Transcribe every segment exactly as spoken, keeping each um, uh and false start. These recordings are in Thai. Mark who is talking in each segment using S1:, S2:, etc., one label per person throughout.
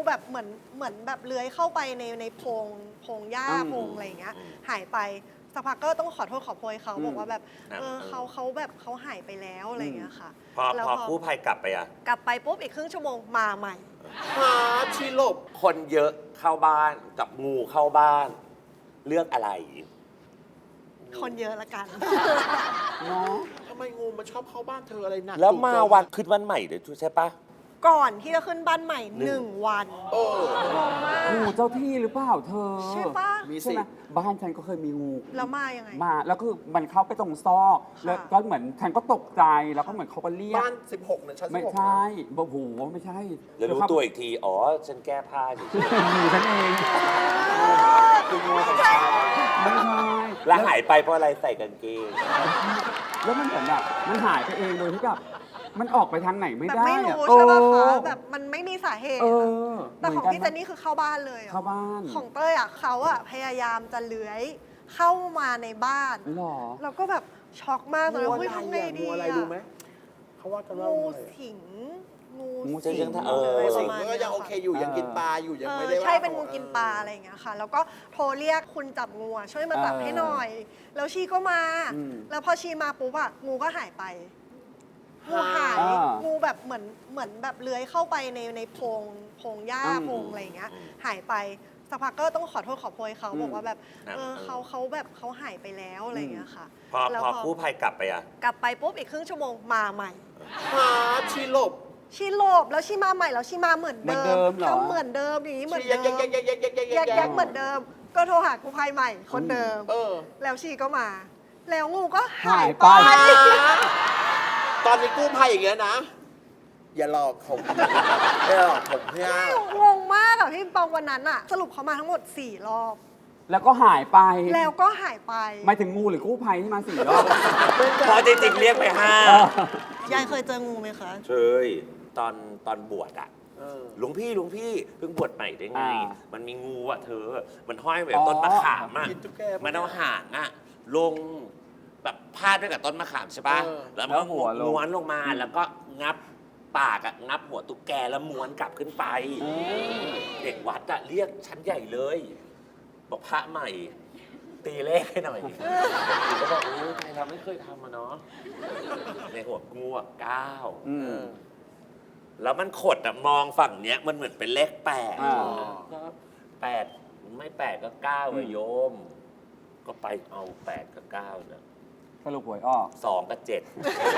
S1: แบบเหมือนเหมือนแบบเลื้อยเข้าไปในในโพรงโพรงหญ้าโพรงอะไรอย่างเงี้ยหายไปสักพักก็ต้องขอโทษขอโพยเขาบอกว่าแบบเออเขาเขาแบบเขาหายไปแล้วอะไรอย่างเงี้ยค่ะ
S2: พอพอกู้ภัยกลับไปอ่ะ
S1: กลับไปปุ๊บอีกครึ่งชั่วโมงมาใหม่
S3: หาชีลบ
S2: คนเยอะเข้าบ้านกับงูเข้าบ้านเลือกอะไร
S1: คนเยอะละกัน
S3: เนาะทำไมงูมันชอบเข้าบ้านเธออะไรหนัก
S2: แล้วมาวันขึ้นวันใหม่เดี๋ยวใช่ปะ
S1: ก่อนที่จะขึ้นบ้านใหม่หนึ่งวัน
S3: โอ้
S1: งงมาก
S4: งูเจ้าที่หรือเปล่าเธอ
S1: ใช่ปะ
S3: มีสิ
S4: ใช่ไหมบ้านฉันก็เคยมีงู
S1: แล้วมายังไง
S4: มาแล้วคือมันเข้าไปตรงซอกแล้วก็เหมือนฉันก็ตกใจแล้วก็เหมือนเขาก็เรียก
S3: บ้านสิบหกเนี่ยชั้นสิบหก
S4: ไม่ใช่โอ้โหไม่ใช่
S2: แล้วรู้ตัวอีกทีอ๋อฉันแก้ผ้าอยู่
S4: งูฉันเอง
S3: คืองูของฉัน
S4: ไม่ใช่
S2: แล้วหายไปเพราะอะไรใส่กางเกง
S4: แล้วมันเหมือนแบบมันหายไปเองโดยที่แบบมันออกไปทางไหนไม่
S1: แบบ
S4: ได้
S1: ไม่
S4: อะ
S1: รู้ใช่ป่ะ
S4: เอ
S1: คะ
S4: อ
S1: แบบมันไม่มีสาเหตุ
S4: เอ
S1: อะ
S4: อ
S1: แต่ของพี่
S4: ห
S1: เจ
S4: มื
S1: นนี่คือเข้าบ้านเลยอะ
S4: เข้าบ้าน
S1: ของเต้ยอ่ะเขาอ่ะพยายามจะเลื้อยเข้ามาในบ้าน
S4: หรอ
S1: เราก็แบบช็อกมากตอนนั้น
S3: งู
S1: เฮ้ย
S3: อะไร
S1: ทำไง
S3: อะ
S1: ดี
S3: งูอะไร
S1: อะ
S3: รู้ไหมเขาว่ากันว่า
S1: งู
S3: งูอะไร
S1: สิงงู
S4: งู
S1: สิ
S4: สิ
S1: ง
S4: ง
S2: เออ
S1: อะไรป
S3: สิ
S1: ระ
S3: ง
S1: มาณ
S3: ก็
S1: เนี้ย
S3: ยังโอเค
S1: ค่ะ
S3: อยู่ยังกินปลาอยู่ยัง
S1: เอ
S3: ไม่
S1: อ
S3: ได้ว่า
S1: ใช่เป็นงูกินปลาอะไรอย่างเงี้ยค่ะ แล้วก็โทรเรียกคุณจับงูอะช่วยมาจับให้หน่อย แล้วชีก็มา แล้วพอชีมาปุ๊บอะงูก็หายไปงูหายงูแบบเหมือนเหมือนแบบเลื้อยเข้าไปในในโพรงโพรงหญ้าโพรงอะไรอย่างเงี้ยหายไปสักพักก็ต้องขอโทษขอโพยเขาบอกว่าแบบเออเขาเขาแบบเขาหายไปแล้วอะไรอย่างเงี้ยค่ะ
S2: พอ
S1: แล้ว
S2: พอกู้ภัยกลับไปอ่ะ
S1: กลับไปปุ๊บอีกครึ่งชั่วโมงมาใหม่
S3: หาชีลบ
S1: ชีโลบแล้วชีมาใหม่แล้วชีมาเหมือนเดิมทำเหมือนเดิมอย่างนี้เหมือน
S3: ชี
S1: เดิ
S3: ยัก
S1: ม
S3: ยักยักยักยักยัก
S1: แยกแยกเหมือนเดิม ก็โทรหากู้ภัยใหม่คนเดิม
S3: เออ
S1: แล้วชีก็มา แล้วงูก็หา
S4: หาย ย
S1: ไป
S4: ไป
S3: ตอนนี้กู้ภัยอย่างเงี้ยนะ อย่าหลอกผมอย่าหลอกผมเพื่อน
S1: งงมากอะพี่ปองวันนั้นอะสรุปเขามาทั้งหมดสี่รอบ
S4: แล้วก็หายไป
S1: แล้วก็หายไป
S4: หมายถึงงูหรือกู้ภัยที่มาสี่รอบ
S2: พอจริงๆเรียกไปห้า
S1: ยายเคยเจองูไหมคะ
S2: เคยตอนตอนบวชอ่ะ
S3: เออ
S2: หลวงพี่หลวงพี่เพิ่งบวชใหม่ได้ไง
S4: อ่า
S2: มันมีงูอ่ะเธอ มันห้อยไว้กับต้นมะขามอ่ะ
S3: กินตุ๊กแก
S2: มันเอาหางอ่ะลงแบบพาดด้วยกับต้นมะขามใช่ปะ
S3: เออ
S2: แล้วมันก็ม้วนลงมาแล้วก็งับปากอ่ะงับหัวตุ๊กแกแล้วม้วนกลับขึ้นไป เด็กวัดอ่ะเรียกชั้นใหญ่เลย บอกพระใหม่ ตีเลขให้หน่อยผมก็บอกโอ้ยใครทำไม่เคยทำมาเนาะในหัวงูอ่ะเก้า
S4: อืม
S2: แล้วมันขดอะมองฝั่งเนี้ยมันเหมือนเป็นเลขแปด
S4: อ่า
S2: ก็แปดไม่แปดก็เก้าอะโยม ก็ไปเอาแปดกับเก้าเนี่ย
S4: สรุปหวยออก
S2: สองกับเจ็ด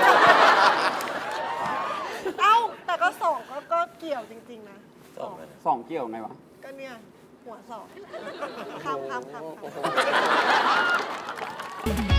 S1: เอ้า แต่ก็สองก็ก็เกี่ยวจริงๆนะ
S2: สองอะ
S4: สองเกี่ยวไงวะ
S1: ก็เนี่ย หัวสองข้ามข้ามข้ามข้าม